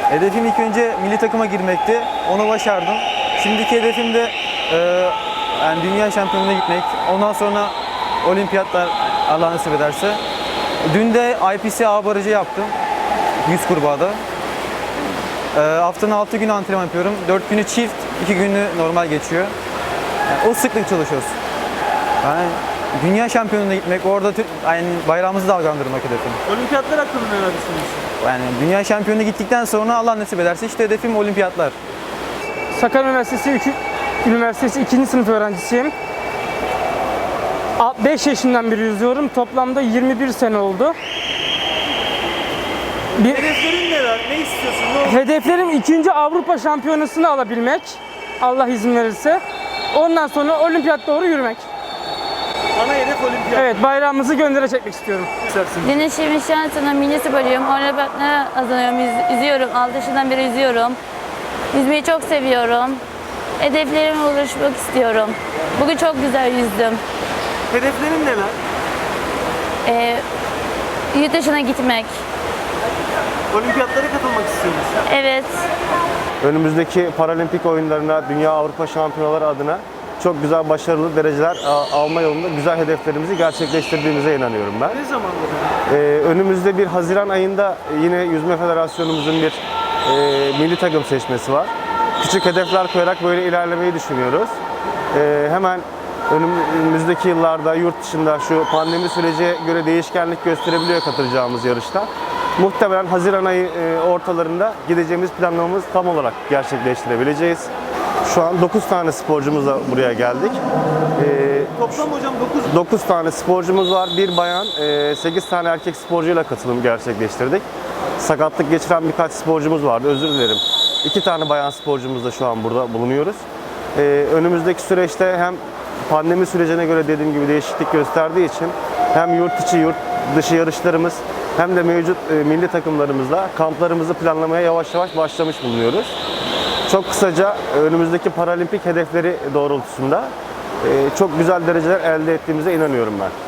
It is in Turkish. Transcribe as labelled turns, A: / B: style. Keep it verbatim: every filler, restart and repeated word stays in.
A: Hedefim ilk önce milli takıma girmekti. Onu başardım. Şimdiki hedefim de e, yani dünya şampiyonluğuna gitmek. Ondan sonra olimpiyatlar Allah nasip ederse. Dün de I P C A barajı yaptım. yüz kurbağada. E, haftanın altı günü antrenman yapıyorum. dört günü çift, iki günü normal geçiyor. Yani o sıklık çalışıyoruz. Yani dünya şampiyonluğuna gitmek, orada yani bayrağımızı dalgalandırmak hedefim.
B: Olimpiyatlar hakkında neler düşünüyorsun?
A: Yani dünya şampiyonluğuna gittikten sonra Allah nasip ederse işte hedefim olimpiyatlar.
C: Sakarya Üniversitesi, Üniversitesi ikinci sınıf öğrencisiyim. beş yaşından beri yüzüyorum. Toplamda yirmi bir sene oldu. Bir,
B: Hedeflerin neler? Ne istiyorsun? Ne oldu?
C: hedeflerim ikinci Avrupa Şampiyonası'nı alabilmek. Allah izin verirse. Ondan sonra olimpiyat doğru yürümek.
B: Ana hedef olimpiyat.
C: Evet, bayrağımızı göndere çekmek istiyorum.
B: İstersiniz.
D: Deniz Şirin Şansı'na milli sporcuyum. Olimpiyatlara hazırlanıyorum. Yüz, yüzüyorum. altı yaşından beri yüzüyorum. Yüzmeyi çok seviyorum. Hedeflerime ulaşmak istiyorum. Bugün çok güzel yüzdüm.
B: Hedeflerin neler?
D: Ee, yurt dışına gitmek.
B: Olimpiyatlara katılmak istiyor musun?
D: Evet.
E: Önümüzdeki Paralimpik oyunlarına, Dünya Avrupa Şampiyonaları adına çok güzel başarılı dereceler alma yolunda güzel hedeflerimizi gerçekleştirdiğimize inanıyorum ben.
B: Ne zaman
E: Ee, önümüzde bir Haziran ayında yine Yüzme Federasyonumuzun bir e, milli takım seçmesi var. Küçük hedefler koyarak böyle ilerlemeyi düşünüyoruz. Ee, hemen önümüzdeki yıllarda yurt dışında şu pandemi süreci göre değişkenlik gösterebiliyor katılacağımız yarışta. Muhtemelen Haziran ayı e, ortalarında gideceğimiz planlamamız tam olarak gerçekleştirebileceğiz. Şu an dokuz tane sporcumuzla buraya geldik. Ee,
B: Toplam hocam dokuz.
E: dokuz tane sporcumuz var. Bir bayan, sekiz tane erkek sporcuyla katılım gerçekleştirdik. Sakatlık geçiren birkaç sporcumuz vardı. Özür dilerim. iki tane bayan sporcumuzla şu an burada bulunuyoruz. Ee, önümüzdeki süreçte hem pandemi sürecine göre dediğim gibi değişiklik gösterdiği için hem yurt içi yurt dışı yarışlarımız hem de mevcut e, milli takımlarımızla kamplarımızı planlamaya yavaş yavaş başlamış bulunuyoruz. Çok kısaca önümüzdeki paralimpik hedefleri doğrultusunda e, çok güzel dereceler elde ettiğimize inanıyorum ben.